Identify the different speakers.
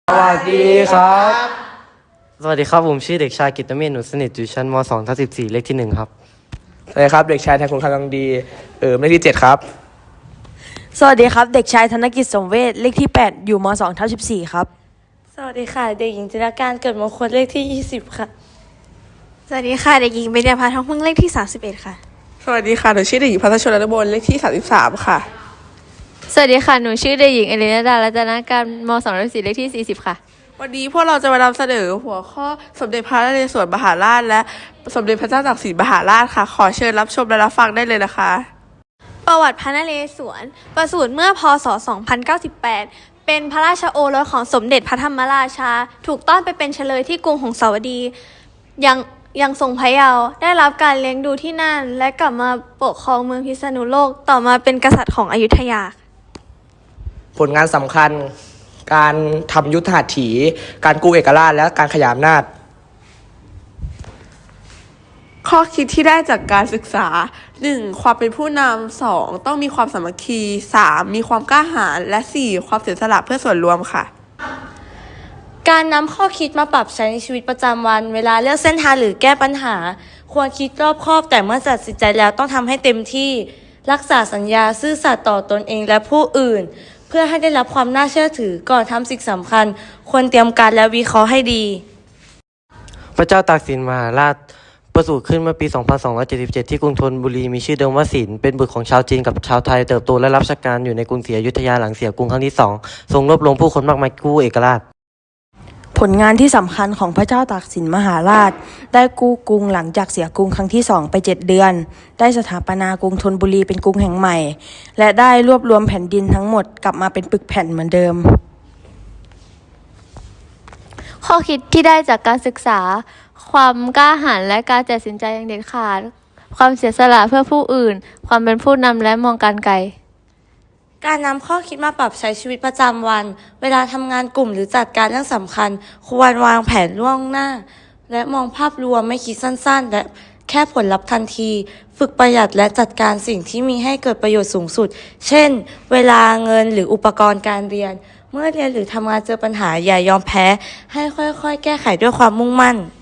Speaker 1: สวัสดีครับ
Speaker 2: สวัสดีครับผมชื่อเด็กชายกิตติเมธหนูสนิทอยู่ชั้นม2ทับ14เลขที่1ครับ
Speaker 1: สวัสดีครับเด็กชายแทนคุณคำลังดีเลขที่7ครับ
Speaker 3: สวัสดีครับเด็กชายธนกิจสมเวชเลขที่8อยู่ม2ทับ14ครับ
Speaker 4: สวัสดีค่ะเด็กหญิงจิรการเกิดมงคลเลขที่20ค่ะ
Speaker 5: สวัสดีค่ะเด็กหญิงเบญญาภาทองพึ่งเลขที่31ค่ะ
Speaker 6: สวัสดีค่ะหนูชื่อเด็กหญิงพัทรชนนบลเลขที่33ค่ะ
Speaker 7: สวัสดีค่ะหนูชื่อเด็กหญิงเอเลนาดารัตนการม2ทับ4เลขที่40ค่ะ
Speaker 6: วันนี้พวกเราจะมานำเสนอหัวข้อสมเด็จพระนเรศวรมหาราชและสมเด็จพระเจ้าตากสินมหาราชค่ะขอเชิญรับชมและรับฟังได้เลยนะคะ
Speaker 5: ประวัติพระนเรศวรประสูติเมื่อพศ2098เป็นพระราชโอรสของสมเด็จพระธรรมราชาถูกต้อนไปเป็นเฉลยที่กรุงหงสาวดียังทรงพระเยาว์ได้รับการเลี้ยงดูที่นั่นและกลับมาปกครองเมืองพิษณุโลกต่อมาเป็นกษัตริย์ของอยุธยา
Speaker 1: ผลงานสำคัญการทำยุทธหัตถีการกู้เอกราชและการขยายอำนาจ
Speaker 6: ข้อคิดที่ได้จากการศึกษา 1. ความเป็นผู้นำ 2. ต้องมีความสามัคคี 3. มีความกล้าหาญและ 4. ความเสียสละเพื่อส่วนรวมค่ะ
Speaker 4: การนำข้อคิดมาปรับใช้ในชีวิตประจำวันเวลาเลือกเส้นทางหรือแก้ปัญหาควรคิดรอบคอบแต่เมื่อตัดสินใจแล้วต้องทำให้เต็มที่รักษาสัญญาซื่อสัตย์ต่อตนเองและผู้อื่นเพื่อให้ได้รับความน่าเชื่อถือก่อนทำสิ่งสำคัญควรเตรียมการและวิเคราะห์ให้ดี
Speaker 2: พระเจ้าตากสินมหาราชประสูติขึ้นเมื่อปี 2277 ที่กรุงธนบุรีมีชื่อเดิมว่าสินเป็นบุตรของชาวจีนกับชาวไทยเติบโตและรับราชการอยู่ในกรุงศรีอยุธยาหลังเสียกรุงครั้งที่2ทรงรวบรวมผู้คนมากมายกู้เอกราช
Speaker 3: ผลงานที่สำคัญของพระเจ้าตากสินมหาราชได้กู้กรุงหลังจากเสียกรุงครั้งที่2ไป7เดือนได้สถาปนากรุงธนบุรีเป็นกรุงแห่งใหม่และได้รวบรวมแผ่นดินทั้งหมดกลับมาเป็นปึกแผ่นเหมือนเดิม
Speaker 7: ข้อคิดที่ได้จากการศึกษาความกล้าหาญและการตัดสินใจอย่างเด็ดขาดความเสียสละเพื่อผู้อื่นความเป็นผู้นำและมองการไกล
Speaker 4: การนำข้อคิดมาปรับใช้ชีวิตประจำวันเวลาทำงานกลุ่มหรือจัดการเรื่องสำคัญควรวางแผนล่วงหน้าและมองภาพรวมไม่คิดสั้นๆและแค่ผลลัพธ์ทันทีฝึกประหยัดและจัดการสิ่งที่มีให้เกิดประโยชน์สูงสุดเช่นเวลาเงินหรืออุปกรณ์การเรียนเมื่อเรียนหรือทำงานเจอปัญหาอย่ายอมแพ้ให้ค่อยๆแก้ไขด้วยความมุ่งมั่น